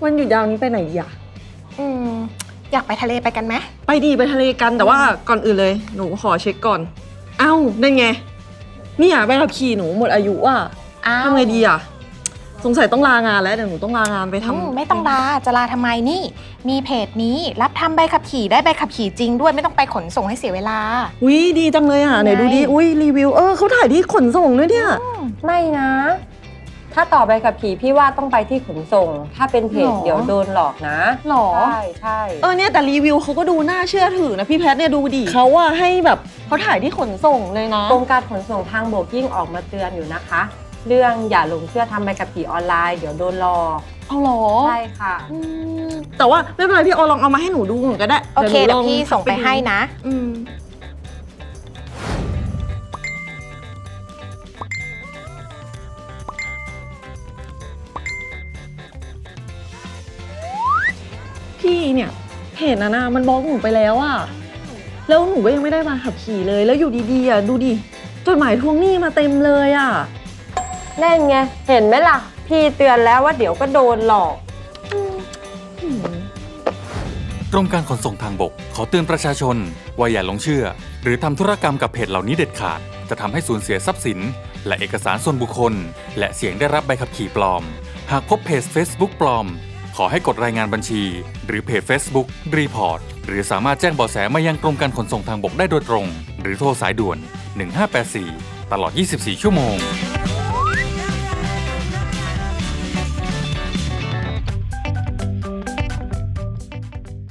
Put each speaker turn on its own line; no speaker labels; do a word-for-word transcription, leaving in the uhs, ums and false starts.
วันหยุดยาวนี้ไปไหนดีอะ
อืมอยากไปทะเลไปกันไหม
ไปดีไปทะเลกันแต่ว่าก่อนอื่นเลยหนูขอเช็คก่อนเอ้าได้ไงนี่อ่ะใบขับขี่หนูหมดอายุอ่ะทำไงดีอ่ะสงสัยต้องลางานแล้วเดี๋ยวหนูต้องลางานไปทำ
ไม่ต้องลาจะลาทำไมนี่มีเพจนี้รับทำใบขับขี่ได้ใบขับขี่จริงด้วยไม่ต้องไปขนส่งให้เสียเวลา
อุ้ยดีจังเลยอ่ะไหนดูดิอุ้ยรีวิวเออเขาถ่ายที่ขนส่งด้วยเนี่ย
ไม่นะถ้าต่อใบขับขี่พี่ว่าต้องไปที่ขนส่งถ้าเป็นเพจเดี๋ยวโดนหลอกนะ
หรอ
ใช่ใช่
เออเนี่ยแต่รีวิวเขาก็ดูน่าเชื่อถือนะพี่แพทเนี่ยดูดิเขาว่าให้แบบเขาถ่ายที่ขนส่งเลยนะ
กรมการขนส่งทางบกยิ่งออกมาเตือนอยู่นะคะเรื่องอย่าหลงเชื่อทำใบขับขี่ออนไลน์เดี๋ยวโดนหลอก
เอาหรอ
ใช่ค่ะ
แต่ว่าไม่เป็นไรพี่ออลองเอามาให้หนูดูหนูก็ได้
โอเคเดี๋ยวพี่ส่งไปให้นะ
อืมพี่เนี่ยเพจนั้นนะมันบล็อกหนูไปแล้วอะแล้วหนูก็ยังไม่ได้มาขับขี่เลยแล้วอยู่ดีๆอะดูดิจดหมายทวงหนี้มาเต็มเลยอะ
นั่นไงเห็นไหมล่ะพี่เตือนแล้วว่าเดี๋ยวก็โดนหลอก
กรมการขนส่งทางบกขอเตือนประชาชนว่าอย่าหลงเชื่อหรือทำธุรกรรมกับเพจเหล่านี้เด็ดขาดจะทำให้สูญเสียทรัพย์สินและเอกสารส่วนบุคคลและเสี่ยงได้รับใบขับขี่ปลอมหากพบเพจ Facebook ปลอมขอให้กดรายงานบัญชีหรือเพจ Facebook รีพอร์ตหรือสามารถแจ้งเบาะแสมายังกรมการขนส่งทางบกได้โดยตรงหรือโทรสายด่วนหนึ่งห้าแปดสี่ตลอดยี่สิบสี่ชั่วโมง